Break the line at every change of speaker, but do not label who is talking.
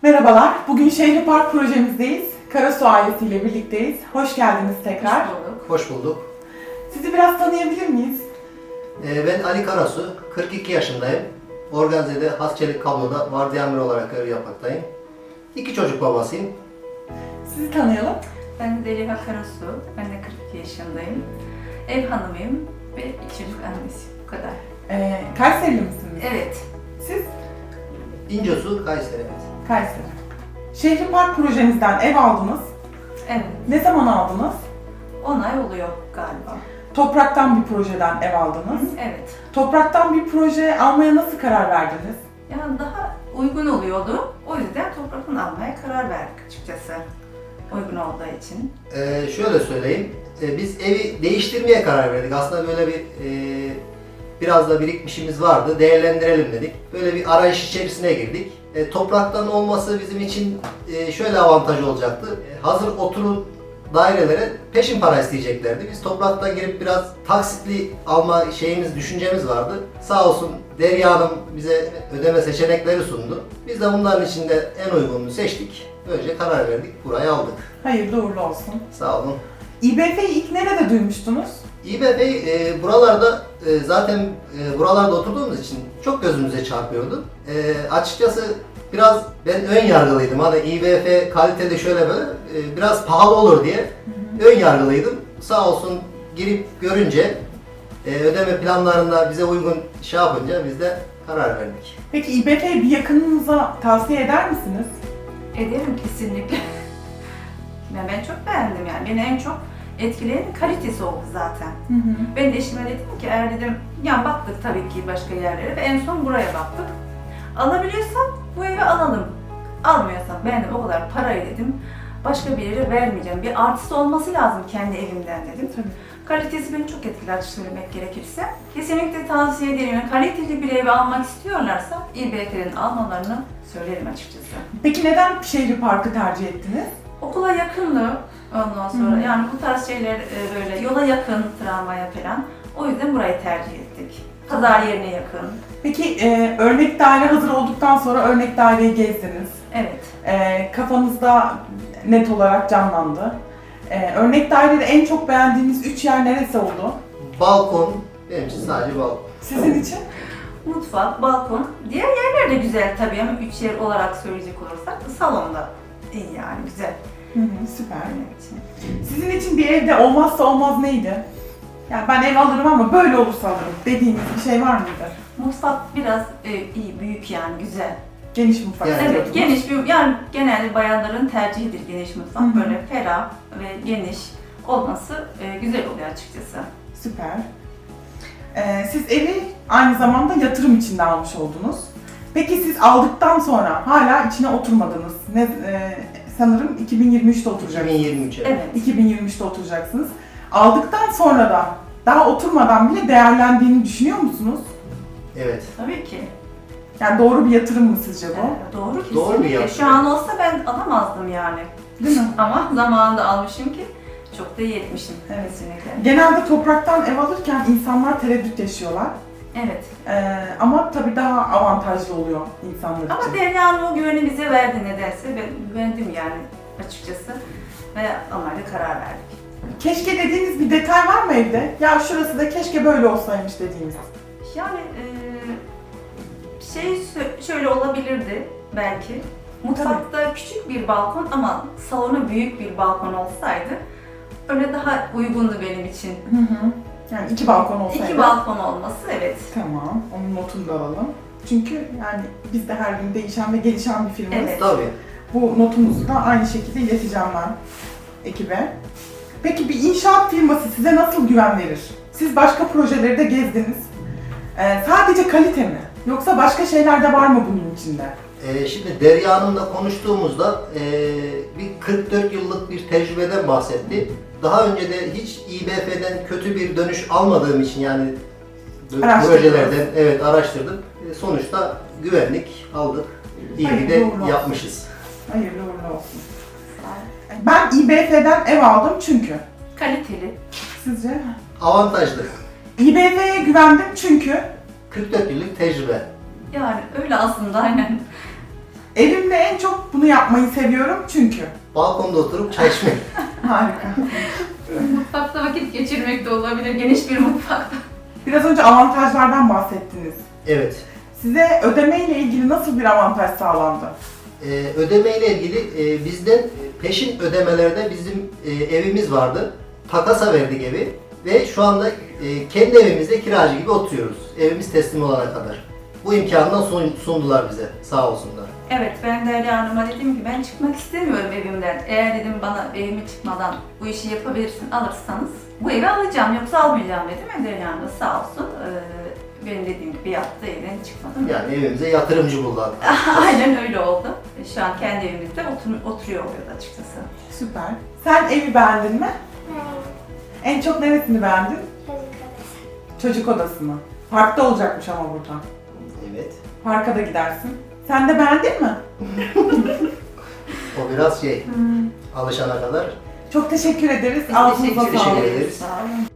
Merhabalar, bugün Şehri Park projemizdeyiz. Karasu ailesiyle birlikteyiz. Hoş geldiniz tekrar.
Hoş bulduk.
Hoş bulduk.
Sizi biraz tanıyabilir miyiz?
Ben Ali Karasu, 42 yaşındayım. Organize'de Has Çelik Kablo'da vardiya amiri olarak görev yapmaktayım. 2 çocuk babasıyım.
Sizi tanıyalım.
Ben Zeliha Karasu. Ben de 42 yaşındayım. Ev hanımıyım ve 2 çocuk annesiyim. Bu kadar.
Kayserili misiniz?
Evet.
Siz?
İncesu, Kayseri.
Kayseri. Şehri Park projemizden ev aldınız.
Evet.
Ne zaman aldınız?
10 ay oluyor galiba.
Topraktan bir projeden ev aldınız.
Evet.
Topraktan bir proje almaya nasıl karar verdiniz?
Yani daha uygun oluyordu. O yüzden topraktan almaya karar verdik açıkçası. Uygun olduğu için.
Şöyle söyleyeyim, biz evi değiştirmeye karar verdik. Aslında böyle biraz da birikmişimiz vardı, değerlendirelim dedik. Böyle bir arayış içerisine girdik. Topraktan olması bizim için şöyle avantajı olacaktı. Hazır oturum dairelere peşin para isteyeceklerdi. Biz topraktan girip biraz taksitli alma düşüncemiz vardı. Sağ olsun Derya Hanım bize ödeme seçenekleri sundu. Biz de bunların içinde en uygununu seçtik. Böylece karar verdik, burayı aldık.
Hayırlı uğurlu olsun.
Sağ olun.
İBF'yi ilk nerede duymuştunuz?
İBB buralarda zaten buralarda oturduğumuz için çok gözümüze çarpıyordu. Açıkçası biraz ben ön yargılıydım. Hani İBF kalitede şöyle böyle biraz pahalı olur diye ön yargılıydım. Sağ olsun girip görünce ödeme planlarında bize uygun yapınca biz de karar verdik.
Peki İBF'yi bir yakınınıza tavsiye eder misiniz?
Ederim kesinlikle. Yani ben çok beğendim yani. Beni en çok etkileyen kalitesi oldu zaten. Ben de eşime dedim ki eğer dedim, ya baktık tabii ki başka yerlere ve en son buraya baktık. Alabiliyorsam bu evi alalım. Almıyorsam ben de o kadar parayı dedim başka bir yere vermeyeceğim. Bir artısı olması lazım kendi evimden dedim.
Tabii.
Kalitesi beni çok etkiledi söylemek gerekirse. Kesinlikle tavsiye ederim. Yani kaliteli bir evi almak istiyorlarsa İBF'den almalarını söylerim açıkçası.
Peki neden Şehri Park'ı tercih ettiniz?
Okula yakındı ondan sonra. Yani bu tarz şeyler böyle yola yakın, tramvaya falan. O yüzden burayı tercih ettik. Pazar yerine yakın.
Peki örnek daire hazır olduktan sonra örnek daireyi gezdiniz.
Evet.
Kafanızda net olarak canlandı. Örnek dairede en çok beğendiğiniz 3 yer neresi oldu?
Balkon, benim için sadece balkon.
Sizin için?
Mutfak, balkon. Diğer yerler de güzel tabii ama 3 yer olarak söyleyecek olursak salonda iyi yani güzel.
Süper.
Benim için.
Sizin için bir evde olmazsa olmaz neydi? Yani ben ev alırım ama böyle olursa alırım dediğiniz bir şey var mıydı?
Mutfak biraz iyi, büyük yani güzel.
Geniş mutfak
Yani-
istiyordunuz.
Evet, geniş bir, yani genelde bayanların tercihidir geniş mutfak.
Hı hı.
Böyle ferah ve geniş olması güzel oluyor açıkçası.
Süper. Siz evi aynı zamanda yatırım için de almış oldunuz. Peki siz aldıktan sonra hala içine oturmadınız. Sanırım 2023'te oturacaksınız.
2023'e.
Evet.
2023'te oturacaksınız. Aldıktan sonra da daha oturmadan bile değerlendiğini düşünüyor musunuz?
Evet.
Tabii ki.
Yani doğru bir yatırım mı sizce bu?
Doğru kesinlikle.
Doğru bir yatırım.
Şu an olsa ben alamazdım yani.
Değil mi?
Ama zamanında almışım ki çok da iyi etmişim.
Evet.
Kesinlikle.
Genelde topraktan ev alırken insanlar tereddüt yaşıyorlar.
Evet.
Ama tabii daha avantajlı oluyor insanlar
Ama
için.
Derya'nın o güveni bize verdi nedense. Ben güvendim yani açıkçası. Ve onlarla karar verdik.
Keşke dediğiniz bir detay var mı evde? Ya şurası da keşke böyle olsaymış dediğiniz.
Yani şöyle olabilirdi belki. Mutfakta küçük bir balkon ama salonu büyük bir balkon olsaydı öyle daha uygundu benim için.
Yani 2 balkon olsaydı.
2 balkon olması evet.
Tamam, onun notunu da alalım. Çünkü yani biz de her gün değişen ve gelişen bir firmayız.
Evet.
Tabii.
Bu notumuzu da aynı şekilde ileteceğim ben ekibe. Peki bir inşaat firması size nasıl güven verir? Siz başka projeleri de gezdiniz. Sadece kalite mi? Yoksa başka şeyler de var mı bunun içinde?
Şimdi Derya Hanım'la konuştuğumuzda bir 44 yıllık bir tecrübeden bahsetti. Daha önce de hiç İBF'den kötü bir dönüş almadığım için yani
Araştırdınız.
projelerden evet araştırdım. Sonuçta güvenlik aldık. İyi
Hayırlı
de
uğurlu olsun.
yapmışız.
Hayırlı uğurlu olsun. Ben İBF'den ev aldım çünkü.
Kaliteli.
Sizce?
Avantajlı.
İBF'ye güvendim çünkü.
44 yıllık tecrübe.
Yani öyle aslında aynen.
Evimde en çok bunu yapmayı seviyorum çünkü.
Balkonda oturup çay içmek.
Harika.
Mutfakta vakit geçirmek de olabilir, geniş bir mutfakta.
Biraz önce avantajlardan bahsettiniz.
Evet.
Size ödeme ile ilgili nasıl bir avantaj sağlandı?
Ödeme ile ilgili bizden peşin ödemelerde bizim evimiz vardı. Takasa verdik evi ve şu anda kendi evimizde kiracı gibi oturuyoruz. Evimiz teslim olana kadar. Bu imkanı da sundular bize. Sağ olsunlar.
Evet, ben Derya Hanım'a dedim ki ben çıkmak istemiyorum evimden. Eğer dedim bana evime çıkmadan bu işi yapabilirsin, alırsanız bu evi alacağım yoksa almayacağım dedim. Derya Hanım da sağ olsun benim dediğim gibi yaptı, evden çıkmadım.
Yani evimize yatırımcı buldular.
Aynen öyle oldu. Şu an kendi evimizde oturuyor oluyordu açıkçası.
Süper. Sen evi beğendin mi? En çok neresini beğendin? Çocuk odasını. Parkta olacakmış ama burada.
Evet.
Parka da gidersin. Sen de beğendin mi?
O biraz alışana kadar.
Çok teşekkür ederiz.
Biz
Ağzınıza
teşekkür
sağlık.
ederiz.
Sağ olun.